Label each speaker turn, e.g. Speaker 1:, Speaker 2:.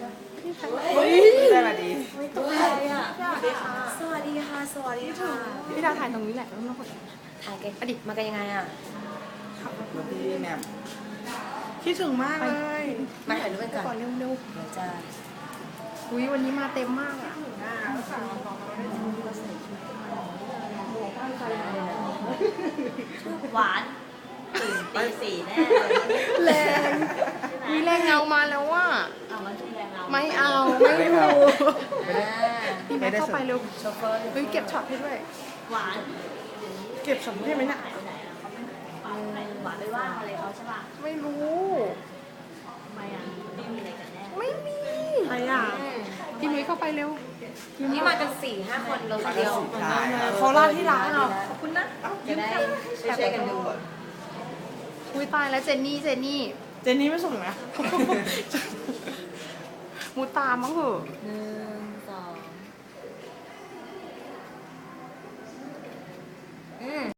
Speaker 1: เฮ้ยได้มาดี
Speaker 2: ตัวอะไรอ่ะสวัสดีค่ะสวัสดีค่ะ
Speaker 1: พี่ดาวถ่ายตรงนี้แหละไม่ต้องกด
Speaker 2: ถ่ายกันอดีตมากันยังไงอ่ะ
Speaker 1: แล้วพี่แหม่ม
Speaker 3: คิดถึงมากเลย
Speaker 2: มาถ่ายรูปกันก่อน
Speaker 3: ก่อนเร็ว
Speaker 2: เดี๋ยวจะ
Speaker 3: ๆอุ้ยวันนี้มาเต็มมากอ่ะ
Speaker 4: หวานตื่นตีสี่แน่เลย
Speaker 3: แรงมีแรงเงามาแล้วว่า
Speaker 4: เอามาจุ่มแรงเรา
Speaker 3: ไม่เอาไม่ดู
Speaker 2: อ่า
Speaker 3: พี่แม่เข้าไปเร็ว
Speaker 2: โชเฟอร์
Speaker 3: เฮ้ยเก็บช็อตให้ด้วย
Speaker 4: หวาน
Speaker 3: เก็บช็อตให้ไหมเนี่ย
Speaker 4: หายไปไหนอ่ะเขาไม่หวานไปว่าอะไรเขาใช่ป่ะ
Speaker 3: ไม่รู้
Speaker 4: ทำไมอ่ะไม่มีอะไรกันแน่
Speaker 3: ไม่มีใครอ่ะพี่นุ้ยเข้าไปเร็ว
Speaker 2: นี่มากัน4-5 คนเราคนเดียว
Speaker 1: ถ่าย
Speaker 3: เขาลาดที่ร้านเหรอ
Speaker 2: ขอบคุณนะจะได้ช่วยๆกันดู
Speaker 3: อุ้ยตายแล้วเจนนี่เจนนี่ไม่ส่งนะ มูตามมั้งเหอะ
Speaker 2: 1 2